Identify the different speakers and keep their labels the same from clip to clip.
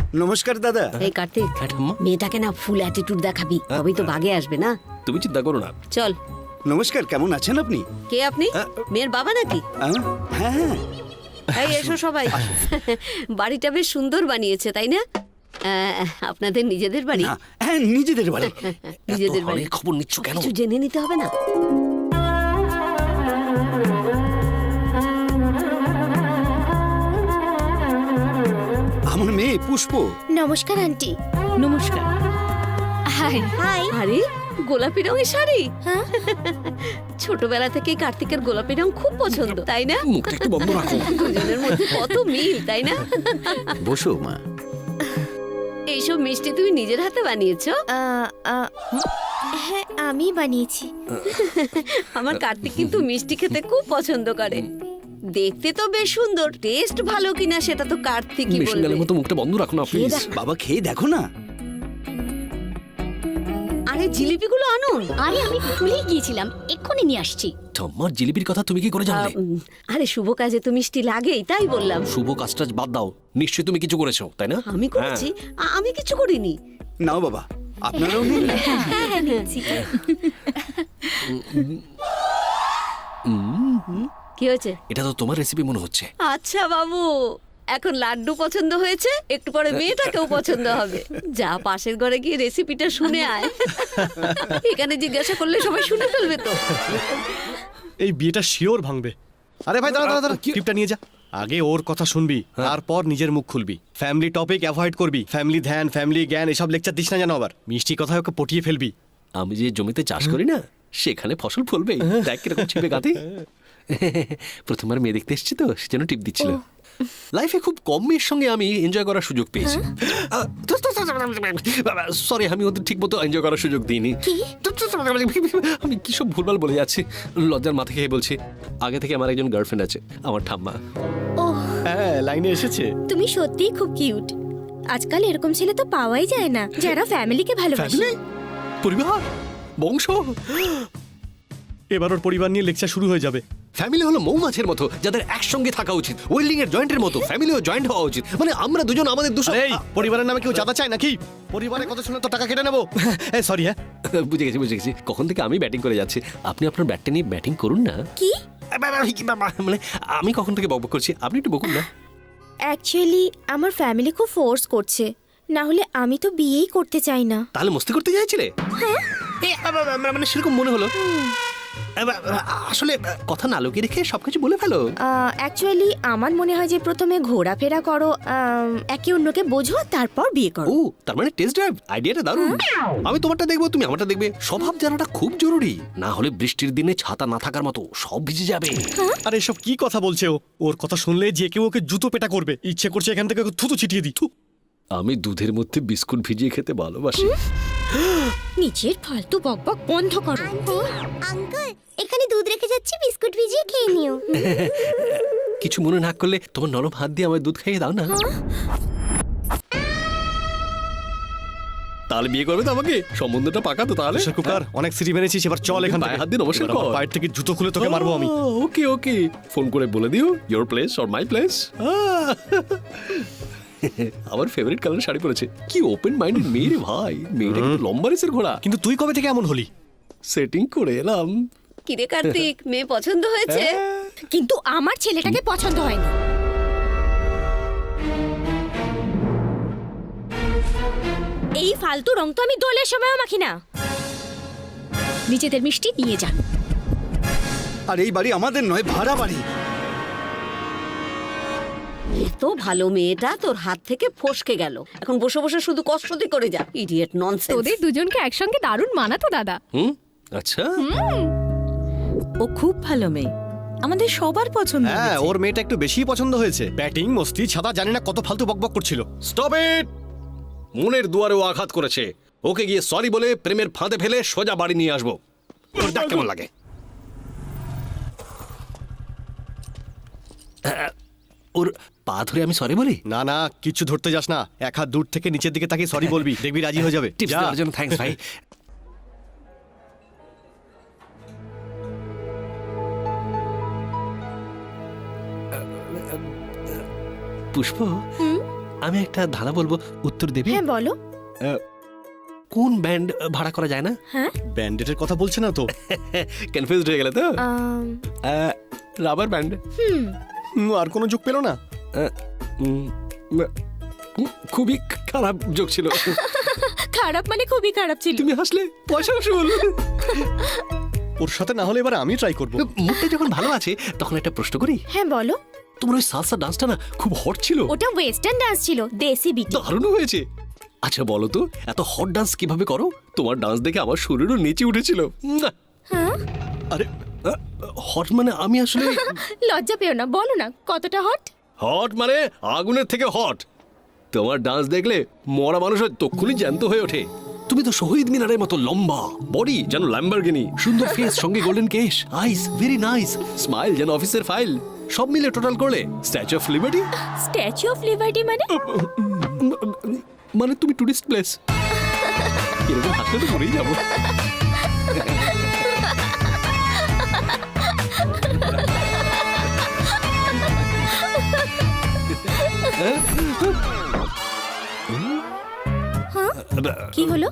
Speaker 1: নমস্কার দাদা।
Speaker 2: এই কার্তিক, মেয়েটাকে না ফুল অ্যাটিটিউড দেখাবি, তবেই তো বাগে আসবে না।
Speaker 3: তুমি চিন্তা করো না।
Speaker 2: চল।
Speaker 1: নমস্কার, কেমন আছেন আপনি?
Speaker 2: কে আপনি? মেয়ের বাবা নাকি?
Speaker 1: হ্যাঁ হ্যাঁ।
Speaker 2: এই এসো সবাই। বাড়িটা বেশ সুন্দর বানিয়েছে, তাই না? আপনাদের নিজেদের বাড়ি?
Speaker 1: হ্যাঁ, নিজেদের বাড়ি।
Speaker 2: নিজেদের বাড়ি।
Speaker 3: খবর নিচ্ছ কেন?
Speaker 2: কিছু জেনে নিতে হবে না?
Speaker 1: আমার মেয়ে পুষ্প।
Speaker 4: নমস্কার আন্টি।
Speaker 2: নমস্কার। Hi
Speaker 4: hi.
Speaker 2: আরে গোলাপি রঙের শাড়ি।
Speaker 4: হ্যাঁ।
Speaker 2: ছোটবেলা থেকে কার্তিকের গোলাপি রং খুব পছন্দ, তাই না?
Speaker 3: মুখটা একটু বন্ধ রাখো।
Speaker 2: দুজনের মধ্যে কত মিল, তাই না?
Speaker 5: বসো মা।
Speaker 2: এইসব মিষ্টি তুমি নিজের হাতে বানিয়েছো?
Speaker 4: হ্যাঁ, আমি বানিয়েছি।
Speaker 2: আমার কার্তিক কিন্তু মিষ্টি খেতে খুব পছন্দ করে। দেখতে তো বেশ সুন্দর, টেস্ট ভালো কিনা সেটা তো কার্তিকই
Speaker 3: মিশন গেলের
Speaker 2: বলবে।
Speaker 3: মতো মুখটা বন্ধ রাখো না প্লিজ।
Speaker 1: বাবা খেয়ে দেখো না।
Speaker 2: আরে জিলিপিগুলো আনুন।
Speaker 4: আরে আমি ভুলেই গিয়েছিলাম, এক্ষুনি নিয়ে আসছি।
Speaker 3: ঠাম্মার জিলিপির কথা তুমি কি করে জানলে?
Speaker 2: আরে শুভ কাজে তো মিষ্টি লাগেই, তাই বললাম।
Speaker 3: শুভ কাজটা বাদ দাও, নিশ্চয়ই তুমি কিছু করেছো, তাই না?
Speaker 2: আমি করেছি? আমি কিছু করিনি।
Speaker 1: নাও বাবা, আপনারাও নিন।
Speaker 4: হ্যাঁ, নিচ্ছি।
Speaker 2: কি হয়েছে?
Speaker 3: এটা তো তোমার রেসিপি মনে হচ্ছে।
Speaker 2: আচ্ছা বাবু, এখন লাড্ডু পছন্দ হয়েছে, একটু পরে মেয়েটাকেও পছন্দ হবে। যা পাশের ঘরে গিয়ে রেসিপিটা শুনে আয়। এখানে জিজ্ঞাসা করলে সবাই শুনে ফেলবে তো।
Speaker 6: এই বিয়েটা শিওর ভাঙবে। আরে ভাই দাঁড়া দাঁড়া, টিপটা নিয়ে যা। আগে ওর কথা শুনবি, তারপর নিজের মুখ খুলবি। ফ্যামিলি টপিক অ্যাভয়েড করবি। ফ্যামিলি ধ্যান, ফ্যামিলি জ্ঞান এসব লেকচার দিস না যেন আবার। মিষ্টি কথায় ওকে পটিয়ে ফেলবি।
Speaker 3: আমি যে জমিতে চাষ করি না, সেখানে ফসল ফলবে। দেখ কিরকম ছিপে গাতে। প্রথমবার মেয়ে দেখতে এসেছি তো, সেজন্য টিপ দিচ্ছিল। লাইফে খুব কম মেয়ের সঙ্গে আমি এনজয় করার সুযোগ পেয়েছি। সরি, আমি ওদের ঠিক মতো এনজয় করার সুযোগ দিইনি। আমি কি সব ভুলভাল বলে যাচ্ছি, লজ্জার মাথা খেয়ে বলছি। আগে থেকে আমার একজন গার্লফ্রেন্ড আছে, আমার ঠাম্মা।
Speaker 6: হ্যাঁ, লাইনে এসেছে।
Speaker 4: তুমি সত্যিই খুব কিউট। আজকাল এরকম ছেলে তো পাওয়াই যায় না, যারা ফ্যামিলিকে ভালোবাসে।
Speaker 3: ফ্যামিলি, পরিবার, বংশ।
Speaker 6: এবার ওর পরিবার নিয়ে লেকচার শুরু হয়ে যাবে।
Speaker 3: ফ্যামিলি হলো মৌমাছির মতো, যাদের একসঙ্গে থাকা উচিত। ওয়েল্ডিং এর জয়েন্টের মতো ফ্যামিলিও জয়েন্ট হওয়া উচিত। মানে আমরা দুজন আমাদের দুশো।
Speaker 6: এই পরিবারের নামে কেউ চাঁদা চায় নাকি? পরিবারের কথা শুনে তো টাকা কেটে নেবো। সরি। হ্যাঁ,
Speaker 3: বুঝে গেছি। কখন থেকে আমি ব্যাটিং করে যাচ্ছি, আপনি আপনার ব্যাটটা নিয়ে ব্যাটিং করুন না।
Speaker 4: কি?
Speaker 3: মানে আমি কখন থেকে বকবক করছি, আপনি একটু বকুন না।
Speaker 4: অ্যাকচুয়ালি আমার ফ্যামিলি খুব ফোর্স করছে, না হলে আমি তো বিয়েই করতে চাই না।
Speaker 3: তাহলে মস্তি করতে চাইছিলে? মানে সেরকম মনে হলো। আসলে কথা না লুকিয়ে রেখে সবকিছু বলে ফেলো।
Speaker 4: অ্যাকচুয়ালি আমার মনে হয় যে প্রথমে ঘোরাফেরা করো, একে অন্যকে বোঝো, তারপর বিয়ে করো।
Speaker 3: ও, তার মানে টেস্ট ড্রাইভ আইডিয়াটা দারুণ। আমি তোমারটা দেখবো, তুমি আমারটা দেখবে। স্বভাব জানাটা খুব জরুরি, না হলে বৃষ্টির দিনে ছাতা না থাকার মতো সব ভিজে যাবে।
Speaker 6: আরে এসব কি কথা বলছে ও? ওর কথা শুনলে যে কেউ ওকে জুতো পেটা করবে। ইচ্ছে করছে এখান থেকে ওকে থুতু ছিটিয়ে দিই।
Speaker 3: আমি দুধের মধ্যে বিস্কুট ভিজিয়ে খেতে ভালোবাসি।
Speaker 4: নিজের ফালতু বকবক বন্ধ করো। আঙ্কেল, এখানে দুধ রেখে যাচ্ছি, বিস্কুট ভিজিয়ে খেয়ে নিও।
Speaker 3: কিছু মনে না করলে তোমার নরম হাত দিয়ে আমার দুধ খাইয়ে দাও না। তাহলে বিয়ে করবে তো আমাকে? সম্বন্ধটা পাকা তো তাহলে?
Speaker 6: কুকার, অনেক সিঁড়ি মেরেছিস, এবার চল এখান থেকে।
Speaker 3: হাত দিয়ে নমস্কার কর।
Speaker 6: পায়ের থেকে জুতো খুলে তোকে মারবো আমি।
Speaker 3: ওকে, ফোন করে বলে দিও your place or my place. আমার ফেভারিট কালার শাড়ি পরেছে। কি ওপেন মাইন্ডেড মেয়ে রে ভাই। মেয়েটা কিন্তু লম্বা রেসের ঘোড়া।
Speaker 6: কিন্তু তুই কবে থেকে এমন হলি?
Speaker 3: সেটিং করে এলাম।
Speaker 2: কিরে কার্তিক, মেয়ে পছন্দ হয়েছে?
Speaker 4: কিন্তু আমার ছেলেটাকে পছন্দ হয়নি। এই ফালতু রং তো আমি দোলের সময়ও মাখি না। নিজেদের মিষ্টি নিয়ে যান।
Speaker 1: আর এই বাড়ি আমাদের নয়, ভাড়া বাড়ি।
Speaker 2: এত ভালো মেয়েটা তোর হাত থেকে ফসকে গেল, এখন বসে বসে শুধু কষ্টই করে যা। Idiot, nonsense.
Speaker 7: তোদের দুজনকে একসঙ্গে দারুণ মানাতো দাদা।
Speaker 3: আচ্ছা,
Speaker 8: ও খুব ভালো মেয়ে, আমাদের সবার পছন্দ।
Speaker 6: হ্যাঁ, ওর মেয়েটা একটু বেশি পছন্দ হয়েছে। ব্যাটিং, মস্তি, ছাদা, জানি না কত ফালতু বকবক করছিল।
Speaker 3: Stop it. মনের দুয়ারেও আঘাত করেছে। ওকে গিয়ে সরি বলে প্রেমের ফাঁদে ফেলে সোজা বাড়ি নিয়ে আসবো। ওর দেখ কেমন লাগে। ওর পা ধরে আমি সরি বলি?
Speaker 6: না না, কিচ্ছু ধরতে যাস না। এক হাত দূর থেকে নিচের দিকে তাকিয়ে সরি বলবি, দেখবি রাজি হয়ে যাবে।
Speaker 3: টিপস দেওয়ার জন্য থ্যাঙ্কস ভাই। পুষ্প, আমি একটা ধাঁধা বলবো, উত্তর দেবে?
Speaker 4: হ্যাঁ বলো।
Speaker 3: কোন ব্যান্ড ভাড়া করা যায় না?
Speaker 6: ব্যান্ডেটের কথা বলছে না তো?
Speaker 3: কনফিউজড হয়ে গেলে তো? Rubber band.
Speaker 6: আর কোনো যোগ পেলো না?
Speaker 3: খুবই খারাপ যোগ ছিল।
Speaker 7: খারাপ মানে খুবই খারাপ ছিল।
Speaker 3: তুমি হাসলে পয়সা আসল।
Speaker 6: ওর সাথে না হলে এবার আমি ট্রাই করব।
Speaker 3: মুখটা যখন ভালো আছে তখন একটা প্রশ্ন করি।
Speaker 4: হ্যাঁ বলো।
Speaker 3: তোমার ওই সালসা ডান্সটা না খুব হট ছিল।
Speaker 4: ওটা ওয়েস্টার্ন ডান্স ছিল, দেশি বিটি।
Speaker 3: দারুণ হয়েছে। আচ্ছা বলো তো, এত হট ডান্স কিভাবে করো? তোমার ডান্স দেখে আমার শরীরও নেচে উঠেছিল।
Speaker 4: হ্যাঁ
Speaker 3: আরে হট মানে আমি আসলে
Speaker 7: লজ্জা পেও না, বলো না কতটা হট।
Speaker 3: হট মানে আগুনের থেকে হট। তোমার ডান্স দেখলে মরা মানুষের তক্ষুনি জ্যান্ত হয়ে ওঠে। তুমি তো শহীদ মিনারের মতো লম্বা, বডি যেন ল্যাম্বরগিনি, সুন্দর ফেস সঙ্গে গোল্ডেন কেশ, আইস ভেরি নাইস, স্মাইল যেন অফিসের ফাইল, সব মিলে টোটাল করলে statue of liberty.
Speaker 7: Statue of liberty মানে?
Speaker 3: মানে তুমি টুরিস্ট প্লেস। এরকম হাসলে তো মরেই যাবো।
Speaker 4: কি হলো?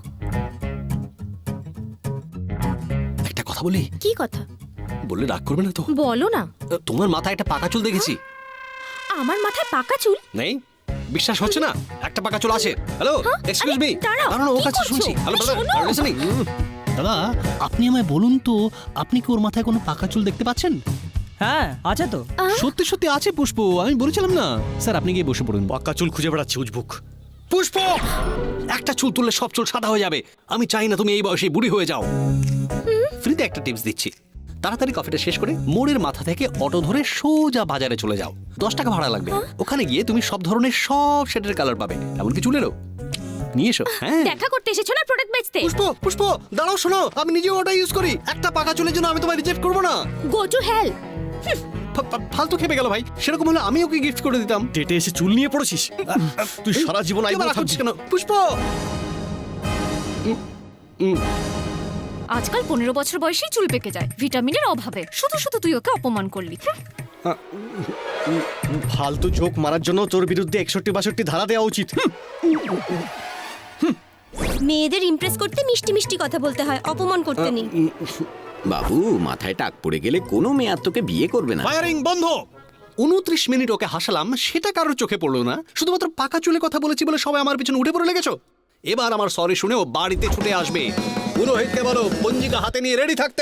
Speaker 3: একটা কথা বলি?
Speaker 4: কি কথা?
Speaker 3: বললে রাগ করবে না তো?
Speaker 4: বলো না।
Speaker 3: তোমার মাথায় একটা পাকা চুল দেখেছি।
Speaker 4: আমার মাথায় পাকা চুল?
Speaker 3: নেই? বিশ্বাস হচ্ছে না? একটা পাকা চুল আছে। Hello, excuse me.
Speaker 4: দাঁড়াও,
Speaker 3: দাঁড়ানো, ও
Speaker 4: কি
Speaker 3: কাছে
Speaker 4: করছো?
Speaker 3: শুনছি। হ্যালো ব্রাদার,
Speaker 4: শোনো।
Speaker 3: আর লিসেনিং।
Speaker 5: দাদা, আপনি আমায় বলুন তো, আপনি কি ওর মাথায় কোনো পাকা চুল দেখতে পাচ্ছেন?
Speaker 9: হ্যাঁ আছে তো।
Speaker 5: সত্যি সত্যি আছে পুষ্প, আমি বলেছিলাম না? স্যার আপনি গিয়ে বসে পড়ুন।
Speaker 6: পাক্কা চুল খুঁজে বেড়াচ্ছি উজবুক।
Speaker 3: পুষ্প, একটা চুল তুললে সব চুল সাদা হয়ে যাবে। আমি চাই না তুমি এই বয়সে বুড়ি হয়ে যাও। ফ্রিতে একটা টিপস দিচ্ছি। তাড়াতাড়ি কফিটা শেষ করে মোড়ের মাথা থেকে অটো ধরে সোজা বাজারে চলে যাও। 10 টাকা ভাড়া লাগবে। ওখানে গিয়ে তুমি সব ধরনের সব শেডের কালার পাবে, এমনকি চুলেরও। নিয়ে এসো। হ্যাঁ
Speaker 7: দেখা করতে এসেছো না প্রোডাক্ট বেচতে?
Speaker 3: পুষ্প, পুষ্প দাঁড়াও, শোনো, আমি নিজেও ওটা ইউজ করি। একটা পাকা চুলের জন্য আমি তোমায় রিজেক্ট করবো না।
Speaker 4: Go to hell.
Speaker 3: ফালতু খেপে গেল ভাই। সেরকম হলে আমি ওকে গিফট করে দিতাম।
Speaker 6: ডেটে এসে চুল নিয়ে পড়েছিস? তুই সারা জীবন
Speaker 3: তুই আবার
Speaker 6: আইবুড়ো
Speaker 3: রাগ করছিস
Speaker 6: থাকছিস
Speaker 3: কেন পুষ্প?
Speaker 7: আজকাল 15 বছর বয়সেই চুল পেকে যায় ভিটামিনের অভাবে। শুধু শুধু তুই ওকে অপমান করলি।
Speaker 6: ফালতু জোক মারার জন্য তোর বিরুদ্ধে 61-62 ধারা দেওয়া উচিত।
Speaker 4: মেয়েদের ইমপ্রেস করতে মিষ্টি মিষ্টি কথা বলতে হয়, অপমান করতে নেই।
Speaker 10: বাবু, মাথায় টাক পড়ে গেলে কোনো মেয়ে আর তোকে বিয়ে করবে না।
Speaker 3: ফায়ারিং বন্ধ। 29 মিনিট ওকে হাসালাম, সেটা কারোর চোখে পড়লো না। শুধুমাত্র পাকা চুলে কথা বলেছি বলে সবাই আমার পিছনে উঠে পড়ে লেগেছো। এবার আমার সরি শুনে ও বাড়িতে ছুটে আসবে। পুরোহিতকে বলো পঞ্জিকা হাতে নিয়ে রেডি থাকতে।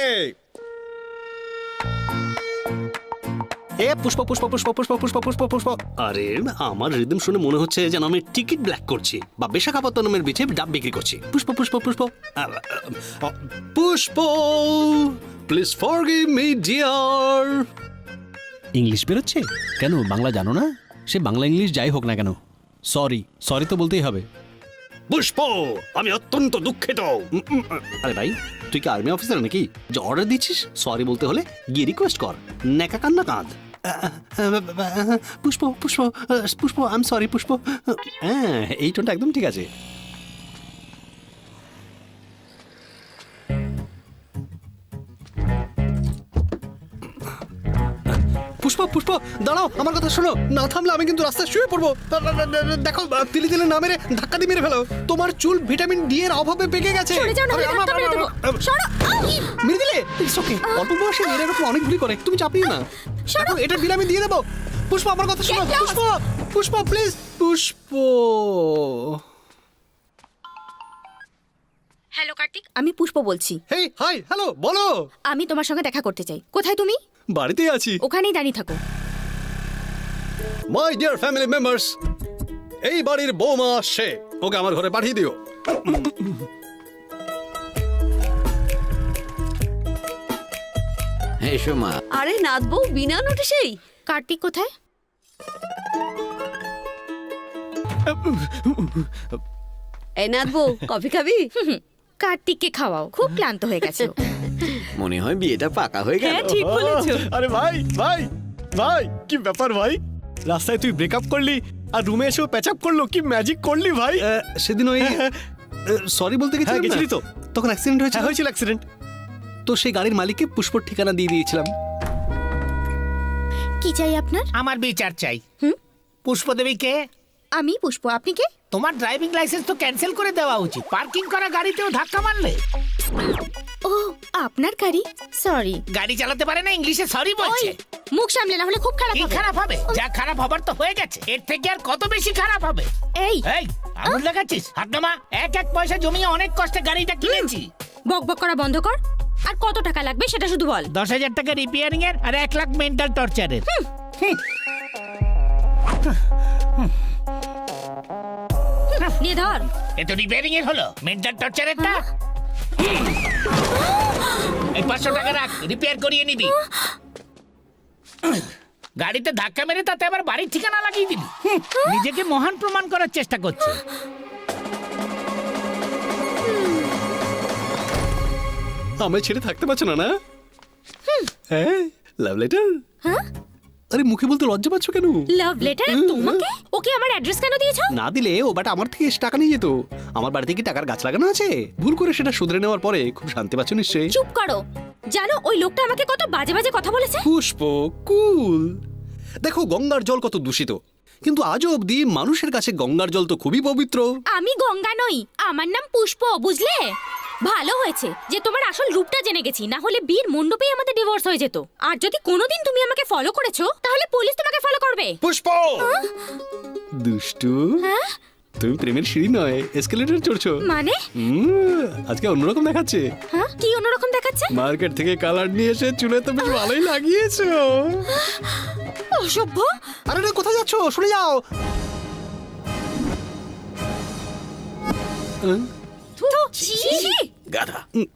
Speaker 3: এ পুষ্প, পুষ্প, পুষ্প, পুষ্প, পুষ্প, পুষ্প, পুষ্প। আরে আমার রিদম শুনে মনে হচ্ছে যেন আমি টিকিট ব্ল্যাক করছি বা বিশাখাপত্তনমের বিচে ডাব বিক্রি করছি। Pushpa, Pushpa, Pushpa, Pushpa, please forgive me dear.
Speaker 5: English বেরোচ্ছে কেন? বাংলা জানো না? সে বাংলা ইংলিশ যাই হোক না কেন, সরি সরি তো বলতেই হবে।
Speaker 3: পুষ্প, আমি অত্যন্ত দুঃখিত। আরে ভাই, তুই কি আর্মি অফিসার নাকি যে অর্ডার দিচ্ছিস সরি বলতে হলে? গিয়ে রিকোয়েস্ট কর, নেকা কান্না কাঁদ। Pushpa, Pushpa, Pushpa, I am sorry Pushpa. হ্যাঁ, এই টোনটা একদম ঠিক আছে। পুষ্প, পুষ্প দাঁড়াও, আমার কথা শোনো। না থামলে আমি কিন্তু রাস্তায় শুয়ে পড়বো। দেখো, তিলে তিলে না মেরে ধাক্কা দিয়ে মেরে ফেলো। তোমার চুল ভিটামিন ডি এর অভাবে পেকে গেছে।
Speaker 7: সরে যাও না হলে ধাক্কা মেরে দেবো। সরো।
Speaker 3: মেরে দিলে? It's okay. অল্প বয়সে মেয়েরা এরকম অনেক ভুল করে, তুমি চাপিও না। দেখো, এটার বিল আমি দিয়ে দেবো। পুষ্প, আমার কথা শোনো। পুষ্প, পুষ্প প্লিজ। পুষ্প।
Speaker 4: হ্যালো কার্তিক, আমি পুষ্প বলছি।
Speaker 3: হেই, হাই, হ্যালো, বলো।
Speaker 4: আমি তোমার সঙ্গে দেখা করতে চাই। কোথায় তুমি?
Speaker 3: বাড়িতেই আছি।
Speaker 4: ওখানেই দাঁড়িয়ে থাকো।
Speaker 3: মাই ডিয়ার ফ্যামিলি মেম্বার্স, এই বাড়ির বৌমা আসছে, ওকে আমার ঘরে পাঠিয়ে দিও।
Speaker 10: এসো মা।
Speaker 2: আরে নাথবউ বিনা নোটিশেই?
Speaker 4: কার্তিক কোথায়?
Speaker 2: এই নাথবউ, কফি খাবি?
Speaker 4: কার্তিককে খাওয়াও, খুব ক্লান্ত হয়ে গেছে ও।
Speaker 10: মনে হয় বিয়েটা পাকা হয়ে গেল।
Speaker 2: ঠিক বলেছো।
Speaker 6: আরে ভাই ভাই ভাই, কি ব্যাপার ভাই? রাস্তায় তুই ব্রেকআপ করলি আর রুমে এসেও প্যাচআপ করলো, কি ম্যাজিক করলি ভাই?
Speaker 3: সেদিন ওই সরি বলতে
Speaker 6: হ্যাঁ, গেছিলি তো?
Speaker 3: তখন অ্যাক্সিডেন্ট হয়েছে।
Speaker 6: হ্যাঁ, হয়েছিল অ্যাক্সিডেন্ট।
Speaker 3: তো সেই গাড়ির মালিককে পুষ্পর ঠিকানা দিয়ে দিয়েছিলাম।
Speaker 4: কি চাই আপনার?
Speaker 9: আমার বিচার চাই। পুষ্পদেবীকে
Speaker 4: আমি পুষ্প, আপনি কে?
Speaker 11: তোমার ড্রাইভিং লাইসেন্স তো ক্যান্সেল করে দেওয়া উচিত। পার্কিং করা গাড়িতেও ধাক্কা মারলে।
Speaker 4: ও আপনার গাড়ি, সরি।
Speaker 11: গাড়ি চালাতে পারে না, ইংলিশে সরি বলছে।
Speaker 4: মুখ সামলে, না হলে খুব খারাপ
Speaker 11: কি
Speaker 4: হবে।
Speaker 11: খারাপ হবে? যা খারাপ হবার তো হয়ে গেছে, এর থেকে আর কত বেশি খারাপ হবে?
Speaker 4: এই
Speaker 11: এই আঙুল লাগাচ্ছিস? হাত নামা। এক এক পয়সা জমিয়ে অনেক কষ্টে গাড়িটা কিনেছি।
Speaker 4: বকবক করা বন্ধ কর। আর কত টাকা লাগবে সেটা শুধু বল।
Speaker 11: 10,000 টাকা রিপেয়ারিং এর আর 1 লাখ মেন্টাল টর্চারের।
Speaker 4: নিয়ে ধর।
Speaker 11: এ তো রিপেয়ারিং এর হলো, মেন্টাল টর্চারেরটা। এই 500 টাকা রাখ, রিপেয়ার করিয়ে নিবি। গাড়িতে ধাক্কা মেরে তাতে আবার বাড়ির ঠিকানা লাগিয়ে দিবি। নিজেকে মহান প্রমাণ করার চেষ্টা করছে।
Speaker 3: আমায় ছেড়ে থাকতে পারছো না না? হ্যাঁ, লাভ লেটার। আরে মুখে বলতে লজ্জা পাচ্ছ কেন?
Speaker 4: লাভ লেটার তোমাকে? ওকে আমার অ্যাড্রেস কেন দিয়েছো?
Speaker 3: না দিলে ও বাট আমার থেকে এসে টাকা নিয়ে যেত। আমার বাড়িতে কি টাকার গাছ লাগানো আছে? ভুল করে সেটা শুধরে নেওয়ার পরে খুব শান্তি পাচ্ছ নিশ্চয়ই।
Speaker 4: চুপ করো। জানো ওই লোকটা আমাকে কত বাজে বাজে কথা বলেছে?
Speaker 3: পুষ্প, কুল। দেখো গঙ্গার জল কত দূষিত, কিন্তু আজও অবধি মানুষের কাছে গঙ্গার জল তো খুবই পবিত্র।
Speaker 4: আমি গঙ্গা নই, আমার নাম পুষ্প, বুঝলে? ভালো হয়েছে যে তোমার আসল রূপটা জেনে গেছি, না হলে বীর মণ্ডপেই আমাদের ডিভোর্স হয়ে যেত। আর যদি কোনোদিন তুমি আমাকে ফলো করেছো তাহলে পুলিশ তোমাকে ফলো করবে।
Speaker 3: পুষ্প, দুষ্টু। তুমি প্রেমের সিঁড়ি নয়, এসকেলেটর চড়ছো।
Speaker 4: মানে?
Speaker 3: আজকে অন্যরকম দেখাচ্ছে।
Speaker 4: হ্যাঁ, কি অন্যরকম দেখাচ্ছে?
Speaker 3: মার্কেট থেকে কালার নিয়ে এসে চুলে তো বেশ ভালোই লাগিয়েছো।
Speaker 4: অসভ্য।
Speaker 3: আরে রে, কোথায় যাচ্ছো? শুনে যাও।
Speaker 4: ছি, ছি।
Speaker 3: গাধা।